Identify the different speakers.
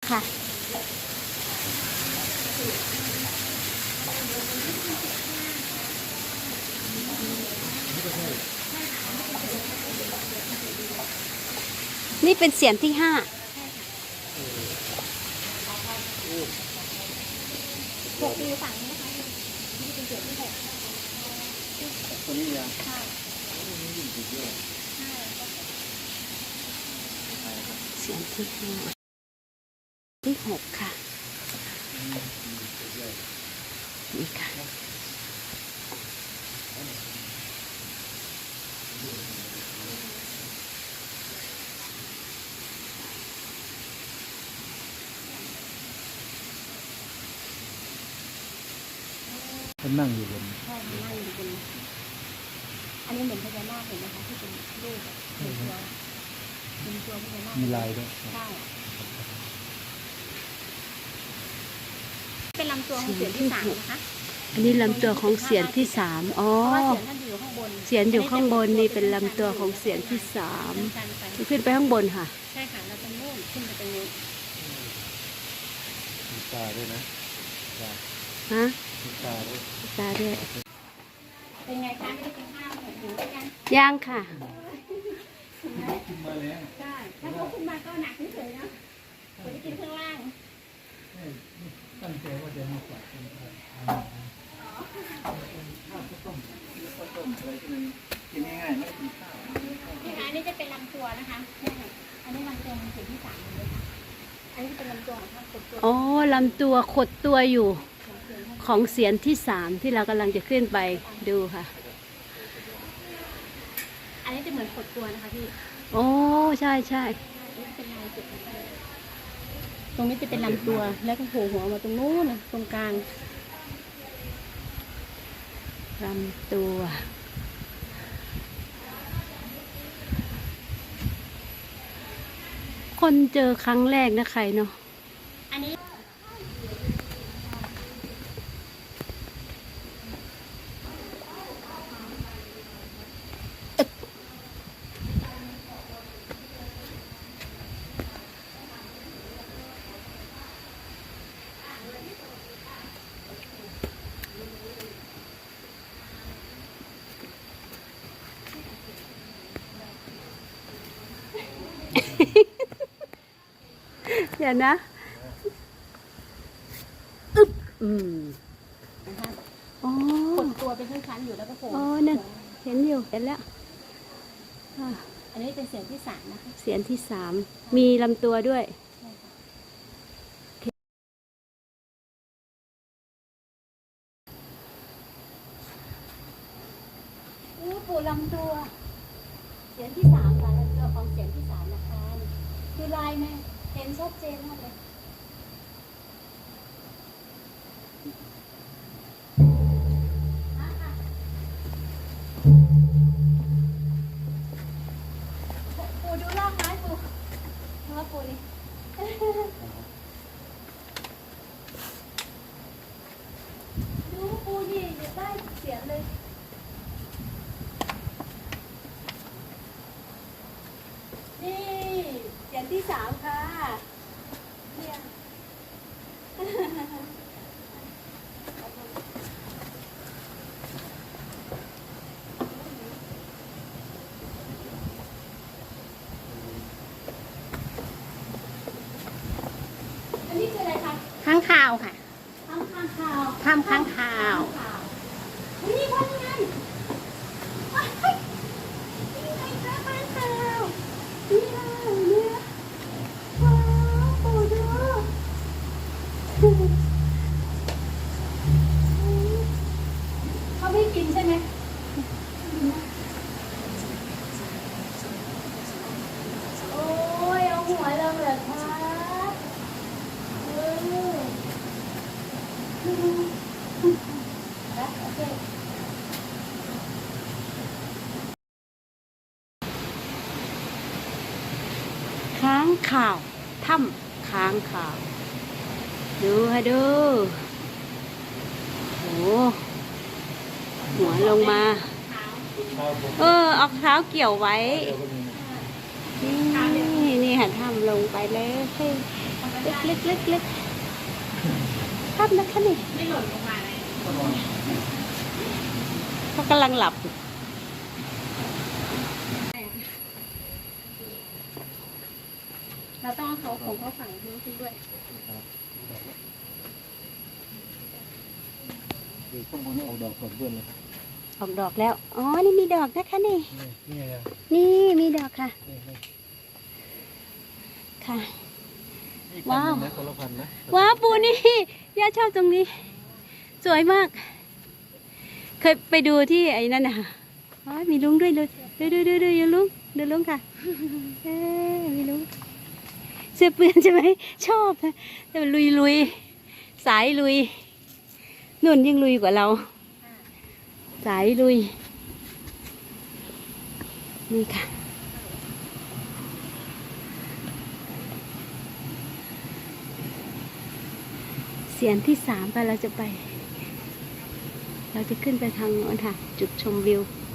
Speaker 1: ค่ะนี่เป็นเสียงที่5
Speaker 2: 6ปีฝั่งนี้นะคะนี่เป็นเสียงที่6
Speaker 3: ตัวนี้ยัง
Speaker 2: ใช่
Speaker 1: เสียงที่5ที่6ค่ะนี่ค่ะ
Speaker 3: มันนั่งอยู่บน
Speaker 2: ใช่นั่งอยู่บนอันนี้เหมือนพญานาคเห็นไหมคะที่เป็นรูปเป็นตัวพญานาค
Speaker 3: มีลายด้วย
Speaker 2: ใช่เป็นลำตัวของเสียงที่3นะคะ
Speaker 1: อันนี้ลำตัวของเสียงที่3อ๋อ
Speaker 2: เพราะว่าเสียงท่านอยู่ข้างบน
Speaker 1: เสียงอยู่ข้างบนนี่เป็นลำตัวของเสียงที่3ขึ้นไปข้างบนค่ะ
Speaker 2: ใช่ค่ะเราจะนู่นขึ้นไปตรงนู้น
Speaker 3: มีตาด้วยนะ
Speaker 1: ฮะ
Speaker 3: มีตาด้วย
Speaker 1: ตาด้วย
Speaker 2: เป็นไงคะไม่ได้กินข้าวหิวหรือยัง
Speaker 1: ย่างค่ะ
Speaker 3: ขึ้นมาแล้ว
Speaker 2: ใช่ถ้าเขาขึ้นมาก็หนักเฉยๆนะคนที่กินข้างล่าง
Speaker 3: ตั้งใจว่าจะมาฝากคนไทยข้าวต้มอะไรที่มันกินง่ายๆไม่กินข้าว
Speaker 2: นี่ค่ะอันนี้จะเป็นลำตัวนะคะอันนี้ลำตัวมันเสียงที่3เลยค่ะอันนี้เป็นลำตัวของท่านขดตัว
Speaker 1: อ๋อลำตัวขดตัวอยู่ของเสียงที่3ที่เรากำลังจะขึ้นไปดูค่ะ
Speaker 2: อันนี้จะเหมือนขดตัวนะคะพี่
Speaker 1: โอ้ใช่ใช่
Speaker 2: ตรงนี้จะเป็นลำตัวแล้วก็โผล่หัวมาตรงนู้นนะตรงกลาง
Speaker 1: ลำตัวคนเจอครั้งแรกนะใครเนาะ
Speaker 2: อันนี้
Speaker 1: เดี๋ยวนะอึ๊บ
Speaker 2: นะคะ
Speaker 1: อ๋อ
Speaker 2: ขดตัวเป็นชั้นๆอยู่แล้วก็โผล่
Speaker 1: อ๋อเนี่ยเห็นอยู่เห็นแล้ว
Speaker 2: อันนี้เป็นเสียงที่3นะคะ
Speaker 1: เสียงที่3มีลำตัวด้วยปูลำตัวเสียงที่3ค่ะลำตัวของเสียงที่3นะคะคือลายไหมเห็นชัดเจนมากเลยปูดูล่างไม้ปูเพราะว่าปูนี่ดูปูนี่ได้เสียงเลยนี่เสียงที่3ค่ะเนี่ยอันนี้คืออะไรคะ
Speaker 2: ข้างคาวค่ะ
Speaker 1: ทำข้างข่าว
Speaker 2: ทำข้างคาว
Speaker 1: นี่พ่อยังไงนี่ไงคะข้างข่าวนี่เนี่ยว้าวโอ้ดูเขาไม่กินใช่ไหมโอ้ยเอาหัวลงเหรอคะโอเคค้างข่าวถ้ำค้างข่าวดูให้ดูโอ้หัวลงมาเอาเท้าเกี่ยวไว้นี่ค่ะถ้ำลงไปเลย
Speaker 2: เล็กเล็กเล็กภาพนะคะนี่
Speaker 1: ไม่หล่นลงมาเลย
Speaker 2: เขากำลังหลับ เราต้องเอาเขาของเขาฝั่งนู้นขึ้นด้วย
Speaker 3: ดูข้างบนนี่ออกดอกก่อนเพื่อนเลย
Speaker 2: ออกดอกแล้ว อ๋อ นี่มีดอกนะคะนี่
Speaker 3: นี่ไง
Speaker 2: นี่มีดอกค่ะ ค่ะ ว้าว
Speaker 3: นะคนละพันนะ
Speaker 2: ว้าวปูนี่ย่าชอบตรงนี้ สวยมาก เคยไปดูที่ไอ้นั่นน่ะอ๋อมีลุงด้วยเลยดูอยู่ลุงดูลุงค่ะมีลุงเสื้อเปื้อนใช่ไหมชอบนะแต่มันลุยสายลุยนุ่นยิ่งลุยกว่าเรา สายลุยนี่ค่ะเสียงที่3ค่ะเราจะไป เราจะขึ้นไปทางโน้นค่ะ จุดชมวิว